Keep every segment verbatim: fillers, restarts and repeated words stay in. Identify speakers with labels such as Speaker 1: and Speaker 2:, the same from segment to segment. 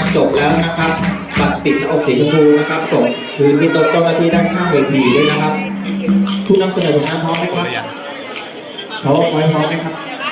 Speaker 1: จบแล้วนะครับบัตรติดหน้าอกสีชมพูนะครับส่งคืนที่โต๊ะเจ้าหน้าที่ด้านข้างเวทีด้วยนะครับผู้นำเสนอผลงานพร้อมไหมครับเขาพร้อมพร้อมไหมครับ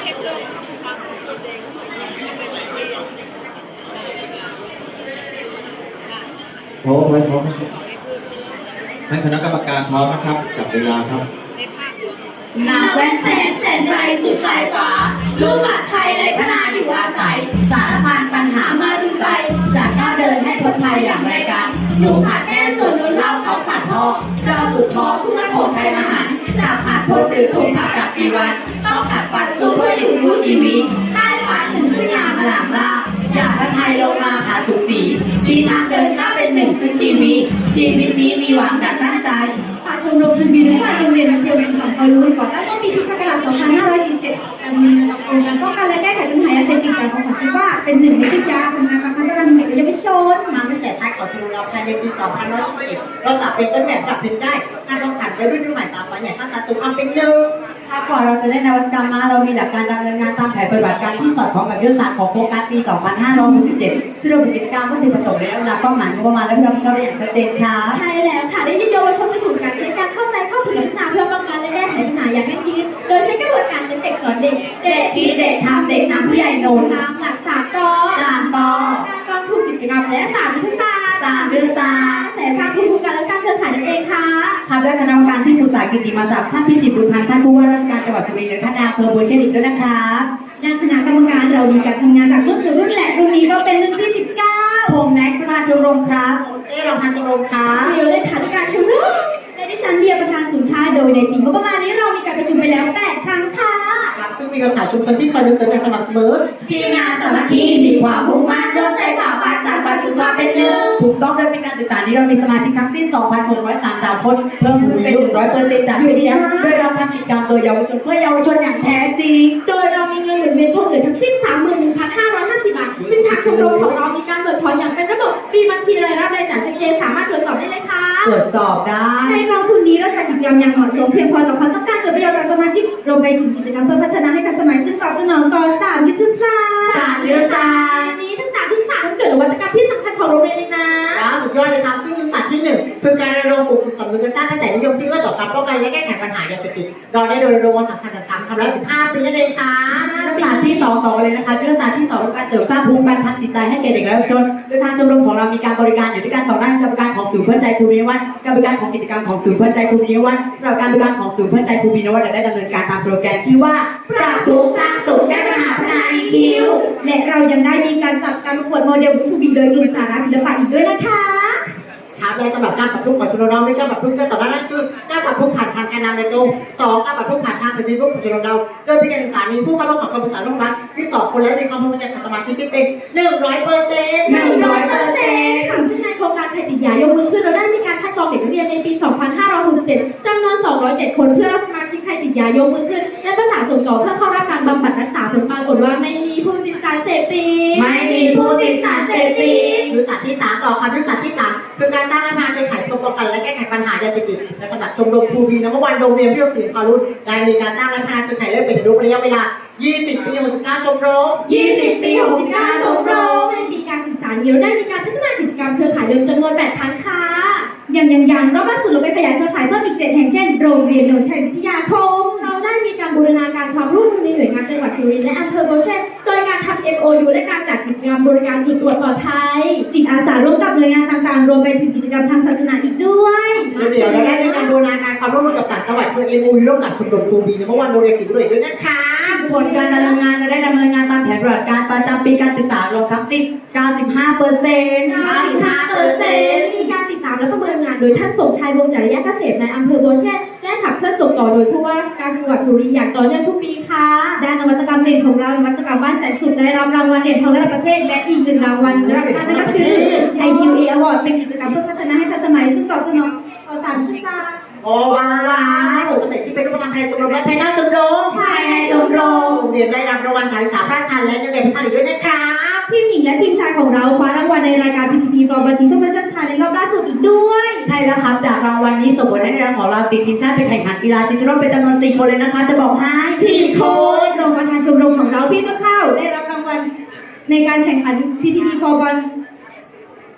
Speaker 1: พร้อมพร้อมพร้อมนะครับให้คณะกรรมการพร้อมนะครับจับเวลาครับ
Speaker 2: นาแว่นแพงแสนไกลสุดปลายฟ้าลูกหลานไทยในพนาอยู่อาศัยสารพันปัญหามาดึงใจจากก้าวเดินให้พ้นภัยอย่างไรกันหนูขาดแม่ส่วนนุนเล่าเขาขาดพ่อเราสุดท้อทุกนาทงไทยมหันจากขาดพ้นหรือทงทับดับชีวันต้องกัดฟันสู้เพื่ออยู่รู้ชีวิตใต้ฝันหนึ่งซึ่งงามอลามล่าอยากพระไทยลงมาผ่าสุขสีชี้ทางเดินก้าวเป็นหนึ่งซึ่งชีวิตชีวิตนี้มีหวังดังตั้งใจชมรมทุนบินและโรงเรียนมัธยมศึกษาพอรู้ก่อตั้งเมื่อปีพุทธศักราช สองพันห้าร้อยสี่สิบเจ็ด ดำเนินงานกับโครงการป้องกันและแก้ไขปัญหายาเสพติดจากของขวัญที่ว่าเป็นหนึ่งในวิทยาทำงานกับคณะกรรมการเด็กและเยาวชนนำกระแสไทยของชมรมเราภายในปี สองพันห้าร้อยสิบเอ็ด เราจะเป็นต้นแบบปรับเป็นได้งานต้องผ่านไปรุ่นใหม่ตามฝันใหญ่สร้างสรรค์สู่ความเป็นหนึ่งถ้าก่อนเราจะได้นวัตกรรมมาเรามีหลักการดำเนินงานตามแผนปฏิบัติการที่สอดคล้องกับยุทธศาสตร์ของโครงการปี สองพันห้าร้อยหกสิบเจ็ด ที่เราเป็นกิจกรรมวัตถุประสงค์ระยะเวลาเป้าหมายงบประมาณและผู้รับผิดชอบอย่างชัดเจนค่ะ
Speaker 3: ใช่แล้วค่ะได้ยินเยาวชนไปสู่การใช้การเข้าใจเข้าถึงและพัฒนาเพื่อป้องกันและแก้ไขปัญหาอย่างยั่งยืนโดยใช้กระบวนการเป็นเด็กสอนเด็ก
Speaker 2: เด็กคิดเด็กทำเด็กนำผู้ใหญ่หนุน
Speaker 3: ตามหลักสากล
Speaker 2: สามก
Speaker 3: การกองทุนกิจกรรมและสามยุทธศาสตร์
Speaker 2: สามยุทธศาสตร์
Speaker 3: แต่สร้างภูมิคุ้มกันและสร้างเครือข่ายนั่นเองค่ะ
Speaker 2: ครับและคณะกรรมการที่ปรึกษากิตติมาศักดิ์ท่านพิจิตรบุญทันท่านผู้ว่าราชการจังหวัดสุรินทร์และท่านนายอำเภอบัวเชษฐีด้วยนะครับ
Speaker 3: ด้านคณะกรรมการเรามีการทำงานจากรุ่นสู่รุ่นและรุ่นนี้ก็เป็นรุ่นที่สิบเก้า
Speaker 2: ผมแน็กประธานชมรมครับเอ๊รองประธานชมรมครับ
Speaker 3: เดียวเลขาธิการชมรมและดิฉันเดียประธานศูนย์ท่าโดยในปีงบประมาณนี้เรามีการประชุมไปแล้วแปดครั้งค่ะ
Speaker 2: ครับซึ่งมีการขายชุมชนที่คอยดำเนินการสม่ำเสมอทีมงานสามัคคีมีความมุ่งมั่นร่วมใจฝ่าฟันสร้างความสุขความเป็นหนึ่งถูกต้องโดยเป็นการศึกษานี้เรามีสมาชิกทั้งสิ้น สองพันหกร้อยสามสิบสาม คนเพิ่มขึ้นเป็น หนึ่งร้อยเปอร์เซ็นต์ จากปีที่แล้วโดยเราทำกิจกรรมโดยเยาวชนเพื่อเยาวชนอย่างแท้จริง
Speaker 3: โดยเรามีเงินหมุนเวียนคงเหลือทั้งสิ้น สามหมื่นหนึ่งพันห้าร้อยห้าสิบ บาทซึ่งทางชมรมของเรามีการเบิกถอนอย่างเป็นระบบมีบัญชีรายรับรายจ่ายชัดเจนสามารถตรวจสอบได้เลยค่ะ
Speaker 2: ตรวจสอบได้
Speaker 3: ในกองทุนนี้เราจัดกิจกรรมอย่างเหมาะสมเพียงพอต่อความต้องการเกิดประโยชน์ต่อสมาชิกรวมไปถึงกิจกรรมเพื่อพัฒนาให้ทันสมัยซึ่งตอบสนองต่อสามยุทธศาสตร์
Speaker 2: สามยุทธศาสตร์
Speaker 3: นี้ทั้งสามยุทธศาสตร์มันเกิดนวัตกรรมที่สำคัญของโรงเรียนเลยนะ
Speaker 2: ว้าวสุดยอดเลยครับซึ่งยุทธศาสตร์ที่หนึ่งคือการระดมปลูกจิตสำนึกสร้างกระแสนิยมที่เอื้อต่อการป้องกันและแก้ไขปัญหายาเสพติดเราได้โดยรวมสำคัญต่างๆทำแล้วสิบห้าปีนั่นเองค่ะยุทธศาสตร์ที่สองต่อเลยนะคะยุทธศาสตร์ที่สองการเสริมสร้างภูมิคุ้มกันทางจิตใจให้แก่เด็กและเยาวชนโดยทางชมรมของเรามีการบริการอยู่ด้วยกันสองด้านกรรมการของศูนย์เพื่อใจครูบีนวัตกรรมการของกิจกรรมของศูนย์เพื่อใจครูบีนวัตสำหรับการบริการของศูนย์เพื่อใจครูบีนวัตได้ดำเนินการตามโปรแกรมที่ว่าปรับทุกข์สร้างสุขแก้ปัญหาพัฒนา อี คิว
Speaker 3: และเรายังได้มีการจัดการประกวดโมเดลบูทูบีโดยกลุ่มสาระศิลปะอีกด้วยนะคะ
Speaker 2: ครับในสำหรับการปรับทุกข์ของชมรมเราในการปรับทุกข์ที่สองนั่นคือการปรับทุกข์ผ่านทางการนำเรียนรู้สองการปรับทุกข์ผ่านทางเป็นเฟซบุ๊กของชมรมเราโดยเป็นการศึกษามีผู้เข้าร่วมขอความปรึกษาร่วมรักที่สองคนและมีความภูมิใจของสมาชิกที่เป็นหนึ่งร้อยเปอร์เซ็นต์หนึ่งร้อยเปอร์เซ็นต์
Speaker 3: ค่ะซึ่งในโครงการใครติดยายกมือขึ้นเราได้มีการคัดกรองเด็กนักเรียนในปี สองพันห้าร้อยหกสิบเจ็ด จำนวน สองร้อยเจ็ด คนเพื่อรับสมาชิกใครติดยายกมือขึ้นและประสานส่งต่อเพื่อเข้ารับการบำบัดรักษาผลปรากฏว่าไม่มีผู้ติดสารเสพติด
Speaker 2: ไม่มีผู้ติดสารเสพติดยุทธศาสตร์ที่สามต่อค่ะยุทธศาสตร์ที่สามคือการสร้างและพัฒนาเครือข่ายป้องกันและแก้ไขปัญหายาเสพติดและสำหรับชมรมทูบีนับวันโรงเรียนพิทยาศิลป์พารุณได้มีการสร้างและพัฒนาเครือข่ายเริ่มเป็นระยะเวลายี่สิบ ปี หกสิบเก้า ชมรมยี่สิบ ปี หกสิบเก้า ชมรม
Speaker 3: ในปีการศึกษานี้เราได้มีการพัฒนากิจกรรมเครือข่ายเดิมจำนวนแปดครั้งค่ะอย่างอย่างอย่างรอบล่าสุดเราไปขยายเครือข่ายเพิ่มอีกเจ็ดแห่งเช่นโรงเรียนโนนไทยวิทยาคมเราได้มีการบูรณาการความร่วมมือในหน่วยงานจังหวัดสุรินทร์และอำเภอโบเช่โดยการทำ เอ็ม โอ ยู และการจัดกิจกรรมบริการจุดตรวจปลอดภัยจิตอาสาร่วมกับหน่วยงานต่างๆรวมไปถึงกิจกรรมทางศาสนาอีกด้วย
Speaker 2: เดี๋ยวเราได้มีการบูรณาการความร่วมมือกับต่างจังหวัดคือ เอ็ม โอ ยู ร่วมกับชมรมทูบีนับวันโรงเรียนศรีบุรีด้วยนะคะผลการดำเนินงานจะได้ดำเนินงานตามแผนปฏิบัติการประจำปีการศึกษารวมทั้งสิ้น เก้าสิบห้าเปอร์เซ็นต์
Speaker 3: เก้าสิบห้าเปอร์เซ็นต์ มีการติดตามและประเมินงานโดยท่านสมชายวงศ์จริยเกษมในอำเภอโบเช่และขับเคลื่อนส่งต่อโดยผู้ว่าราชการจังหวัดสุรินทร์อย่างต่อเนื่องทุกปีค่ะด้านนวัตกรรมเด่นของเรานวัตกรรมบ้านแสนสุขได้รับรางวัลเด่นทองระดับประเทศและอีกหนึ่งรางวัลระดับชาตินั่นก็คือ ไอ คิว เอ Award เป็นกิจกรรมเพื่อพัฒนาให้ทันสมัยซึ่งตอบสนองต่อสามยุทธศาสตร์
Speaker 2: โอ้ว้าวสำเร็จที่เป็นรูปธรรมภายในชมรมและภายนอกชมรมภายในชมรมโรงเรียนได้รับรางวัลสายสาพระราชทานและนักเรียนภาษาอีกด้วยนะครับ
Speaker 3: ทีมหญิงและทีมชายของเราคว้ารางวัลในรายการ พี ที ที for Bachito Fashion Thai ในรอบล่าสุดอีกด้วย
Speaker 2: ใช่แล้วครับจากรางวัลนี้ส่งผลให้นักเรียนของเราติดทีมชาติไปแข่งขันกีฬาชิงแชมป์เป็นจำนวนสี่คนเลยนะคะจะบอกให้
Speaker 3: สี่คนรองประธานชมรมของเราพี่ต้นข้าวได้รับรางวัลในการแข่งขัน พี ที ที for Ball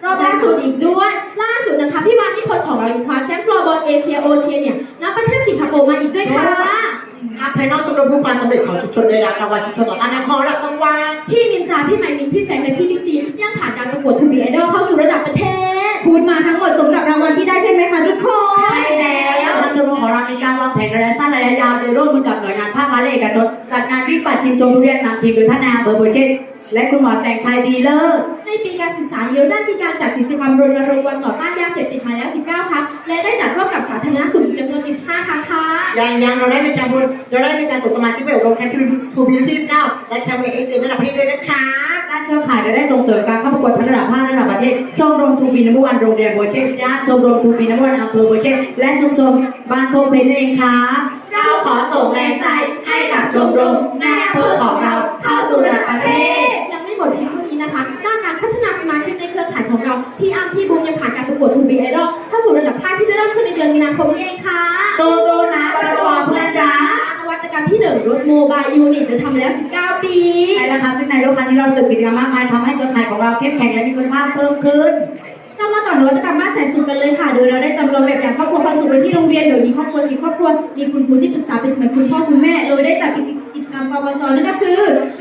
Speaker 3: รอบล่าสุดอีกด้วยล่าสุดนะคะพี่วานิพนธ์ของเรายังคว้าแชมป์ฟลอร์บอลเอเชียโอเชียเนี่ยณประเทศสิงคโปร์มาอีกด้วยค่ะ
Speaker 4: ครับภายนอกชมรมผู้ความสำเร็จของชุมชนได้รับรางวัลชุมชนต่อต้านแอลกอฮอล์ระดับจังหวัด
Speaker 3: พี่มินจาพี่ไมมินพี่แฟงและพี่บิ๊กซียังผ่านการประกวดทูบีไอดอลเข้าสู่ระดับประเทศพูดมาทั้งหมดสมกับรางวัลที่ได้ใช่ไหมคะทุกคน
Speaker 4: ใช่แล้วทางชมรมของเรามีการวางแผนระยะสั้นระยะยาวโดยร่วมมือกับหน่วยงานภาครัฐและเอกชนจัดงานวิ่งปัดชิงชมทุเรียนนำทีมโดยท่านนายอำเภอเบอร์เชนและคุณหมอแต่งชายดีเลิศ
Speaker 3: ในปีการศึกษานี้เราได้มีการจัดกิจกรรมรณรงค์วันต่อต้านยาเสพติดมาแล้ว สิบเก้า ครั้ง และได้จัดร่วมกับสาธารณสุขอีกจำนวน สิบห้า ครั้งค่ะ
Speaker 4: ยังยังเราได้มีการบุญเราได้มีการส่งสมาชิกไปอบรมแคมป์ทูบีที่เก้าและแคมป์เอสเอ็มระดับประเทศด้วยนะคะด้านเครือข่ายได้ส่งเสริมการเข้าประกวดทั้งระดับภาคและระดับประเทศชมรมทูบีนัมเบอร์วันโรงเรียนโบเช่ญาติชมรมทูบีนัมเบอร์วันอำเภอโบเช่และชุมชนบ้านโคเพนนั่นเองค่ะเราขอส่งแรงใจให้กับชมรมแม่อำเภอของเราเข้าสู่ระดับประเทศ
Speaker 3: ยังไม่หมดเพียงเท่านี้นะคะด้านการพัฒนาสมาชิกในเครือข่ายของเราพี่อ้ำพี่บูมยังผ่านการประกวดทูบีไอดอลเข้าสู่ระดับภาคที่จะเริ่มขึ้นในเดือนมีนาคมนี้เองค่ะ
Speaker 4: สู้ๆนะปตวเพื่อนรัก
Speaker 3: นวัตกรรมที่หนึ่งรถโมบายยูนิตเราทำมาแล้ว สิบเก้า ปี
Speaker 4: ใช่แล้วครับซึ่งในรถคันนี้เราสึกกิจกรรมมากมายทำให้เครือข่ายของเราเข้มแข็งและมีคุณภาพเพิ่มขึ้น
Speaker 3: เรามาต่อนวัตกรรมบ้านแสนสุขกันเลยค่ะ โดยเราได้จำลองแบบอย่างครอบครัวความสุขไว้ที่โรงเรียน โดยมีครอบครัวสี่ครอบครัว มีคุณครูที่ปรึกษาเป็นเสมือนคุณพ่อคุณแม่ โดยได้จัดกิจกรรมปปสนั่นก็คือก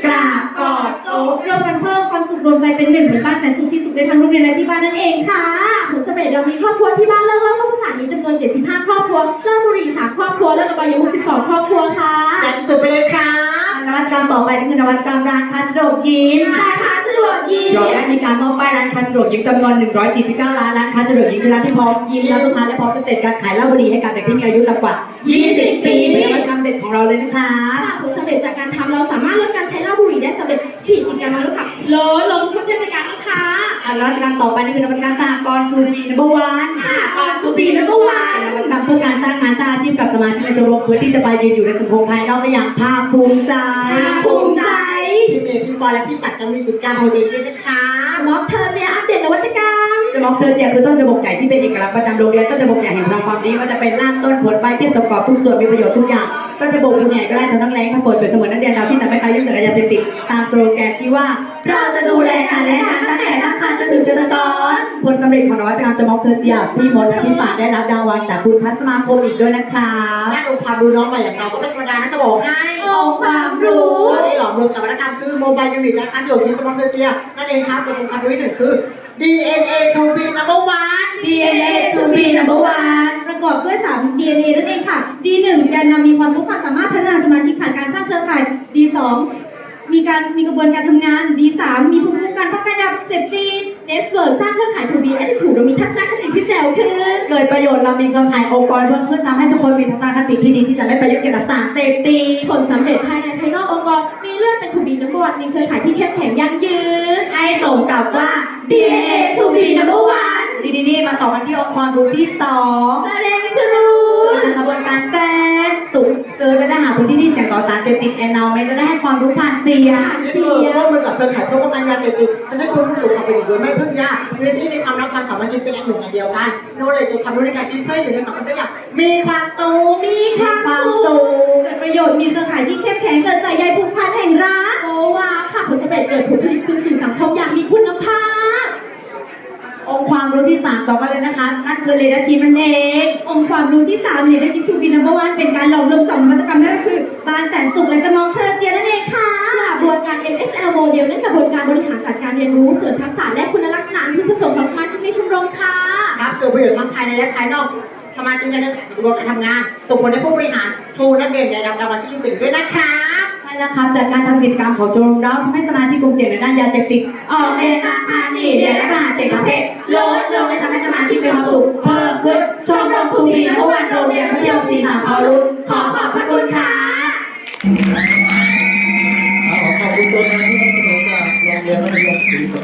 Speaker 4: ราบกอด
Speaker 3: โต๊ะรวมกันเพิ่มความสุขรวมใจเป็นหนึ่งเหมือนบ้านแสนสุขที่สุขได้ทั้งโรงเรียนและที่บ้านนั่นเองค่ะผลสำเร็จเรามีครอบครัวที่บ้านเลิกเลิกข้าวภาษานี้จำนวน เจ็ดสิบห้า ครอบครัวเลิกบุหรี่สามครอบครัวเลิกอบายมุขสิบสอง ครอบครัวค่ะ
Speaker 4: แจกสุดไปเลยค่ะนวัตกรรมต่อไปนี่คือนวัตกรรมร้านค้าสะดวกยิ้ม
Speaker 3: ราคาสะดวกยิ้ม
Speaker 4: เราได้มีการมอบป้ายร้านค้าสะดวกยิ้มจำนวนหนึ่งร้อยสี่สิบเก้าร้านร้านค้าสะดวกยิ้มคือร้านที่พร้อมยิ้มรับลูกค้าและพร้อมจะเสร็จการขายเหล้าบุหรี่ให้กับเด็กที่มีอายุต่ำกว่ายี่สิบปีเป็นนวัตกรรมเด็ดของเราเลยนะคะ
Speaker 3: ผลสำเร็จจากการทำเราสามารถลดการใช้เหล้าบุหรี่ได้สำเร็จผิดกิจกรรมมาแล้วค่ะลดลงช่วงเทศกาลนะคะ
Speaker 4: นวัตกรรมต่อไปนี่คือนวัตกรรมสหกรณ์ทูบีนัมเบอร์วัน
Speaker 3: ก่อนทูบีนัมเบอร์วัน
Speaker 4: นวัตกรรมเพื่อการสร้างงานสร้างอาชีพกับสมาชิกในชมรมเพื่อที่จะไปยืนอยู่ในสังคมภายนอกได้อย่างภาคภูมิใจ
Speaker 3: ภูมิใจ
Speaker 4: พี่เมย์พี่ปอยและพี่ตัดจะมีกิจกรรมของตัวเองด้วยนะคะ
Speaker 3: ม็อบเธอเนี่ยอัปเดตนวัตกรรม
Speaker 4: จะมองเธอเจียคือต้นจมูกใหญ่ที่เป็นเอกลักษณ์ประจำโรงเรียนต้นจมูกใหญ่เห็นพลังความดีว่าจะเป็นรากต้นผลใบที่ประกอบทุกส่วนมีประโยชน์ทุกอย่างต้นจมูกคุณใหญ่ก็ได้ทั้งแรงทั้งปวดเป็นเสมือนนักเรียนเราที่จะไม่ตายยุ่งกับยาเสพติดตามโปรแกรมที่ว่าเราจะดูแลกันและกันตั้งแต่ตั้งครรภ์จนถึงชนตอนผลสำเร็จของนวัตกรรมจะมองเธอเจียพี่มดและพี่ฝาได้รับรางวัลจากคุณพัฒสมาคมอีกด้วยนะคะน่าดูความรู้น้องใหม่อย่างเราก็ไม่ธรรมดานะจะบอกให้
Speaker 3: องค์ความรู้
Speaker 4: ที่หลอมรวมสวัสดิกรรมคือโมบายยูนิตนะคะที่อยู่ที่สมองเธอเจียนั่นเองครับโดยองค์ความรู้ที่หนึ่งคือ ดี เอ็น เอ to be number one
Speaker 3: ดี เอ็น เอ to be number one ประกอบด้วย สาม ดี เอ็น เอ นั่นเองค่ะ ดี หนึ่ง แกนนำมีความรู้ความสามารถพัฒนาสมาชิกผ่านการสร้างเครือข่าย ดี สอง มีการมีกระบวนการทำงาน ดี สาม มีภูมิคุ้มกันป้องกันยาเสพติด เนสเวิร์กสร้างเครือข่ายทูบีแอดดิถูเรามีทัศนคติที่แจ๋วขึ้น
Speaker 4: เกิดประโยชน์เรามีเครือข่ายองค์กรเพิ่มขึ้นทำให้ทุกคนมีทัศนคติที่ดีที่จะไม่ประยุกต์เกี่ยวกับสารเสพติด
Speaker 3: ผลสำเร็จภายในภายนอกองค์กรมีเลือดเป็นทูบีนัมเบอร์วันมีเครือข่ายที่เข้มแข็งยั่งยืน
Speaker 4: ให้สมกับว่า ดี เอ็น เอ to be number one ดีดีนี่มาต่อกันที่องค์ความรู้ที่สอง
Speaker 3: แสดงสรุป
Speaker 4: ในกระบวนการแปลสุขเกิดและได้หาพื้นที่ที่เสี่ยงต่อสารเสพติดแอนนาเมจะได้ให้ความรู้ผ่านเสียง
Speaker 3: เสียง
Speaker 4: ร่วมมือกับเครือข่ายเพื่อป้องกันยาเสพติดจะใช้คุณผู้สูงความเป็นอยู่โดยไม่พึ่งยาพื้นที่มีความรักความสามัคคีเป็นอันหนึ่งอันเดียวกันโน้ตเลยจะความรู้ในการชีวิตเพื่ออยู่ในสังคมได้อย่างมีความสุข
Speaker 3: มีความสุขเกิดประโยชน์มีเครือข่ายที่เข้มแข็งเกิดสายใยผูกพันแห่งรักโอ้ว้าวค่ะผลสำเร็จเกิดผลผลิตคืนสู่สังคมอย่างมีคุณภาพ
Speaker 4: องค์ความรู้ที่สามต่อมาเลยนะคะนั่นคือเลดชีมันเอง
Speaker 3: องค์ความรู้ที่สาม Leadership to be number one เป็นการหลอมรวมสองนวัตกรรมนั่นก็คือบ้านแสนสุขและจะมองเธอเจียนั่นเองค่ะกระบวนการ เอ็ม เอส แอล Model นั่นกระบวนการบริหารจัดการเรียนรู้เสริมทักษะและคุณลักษณะที่ผสมของสมาชิกในชมรมค่ะ
Speaker 4: ครับเกิดประโยชน์ทั้งภายในและภายนอกสมาชิกในกระบวนการทำงานส่งผลให้ผู้บริหารทูนักเรียนได้รับรางวัลที่ชูเกียรติด้วยนะคะใช่แล้วครับจากการทำกิจกรรมของชมรมเราทำให้สมาชิกกลุ่มเสี่ยงในด้านยาเสพติดออกเรียนราคาหนีเรียนและปัญหาเสพติดลดลงและทำให้สมาชิกมีความสุขเพิ่มขึ้นชมรมทูบีเมื่อวันโรงเรียนพัทยาสีสามพอรุ่นขอขอบพระคุณค่ะ
Speaker 1: ขอขอบคุณตัวแทนที่นำเสนอจากโรงเรียนมัธยมศรี